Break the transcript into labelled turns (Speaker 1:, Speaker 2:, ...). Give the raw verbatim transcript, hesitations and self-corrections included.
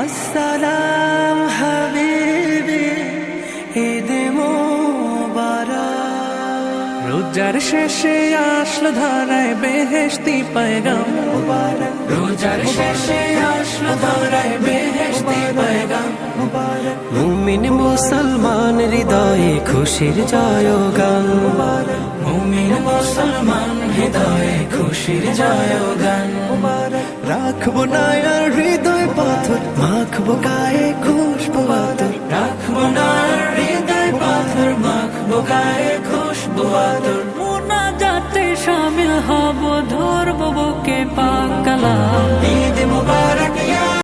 Speaker 1: আসসালাম হাবিবি, ঈদ মোবারক।
Speaker 2: রোজার শেষে আসলো ধরায় বেহেশতি পয়গাম মুবারক, রোজার শেষে আসলো ধরায় বেহেশতি পয়গাম মুবারক।
Speaker 1: মুমিন মুসলমান হৃদয়ে খুশির জয়গান মুবারক,
Speaker 2: মুমিন মুসলমান হৃদয়ে খুশির জয়গান মুবারক।
Speaker 1: রাখবো না আর হৃদয় পাথর, মাখবো গায়ে খুশবু আতর,
Speaker 2: রাখবো না হৃদয় পাথর, মাখবো গায়ে খুশবু আতর। মোনাজাতে শামিল হব, ধরবো বুকে পাক কালাম।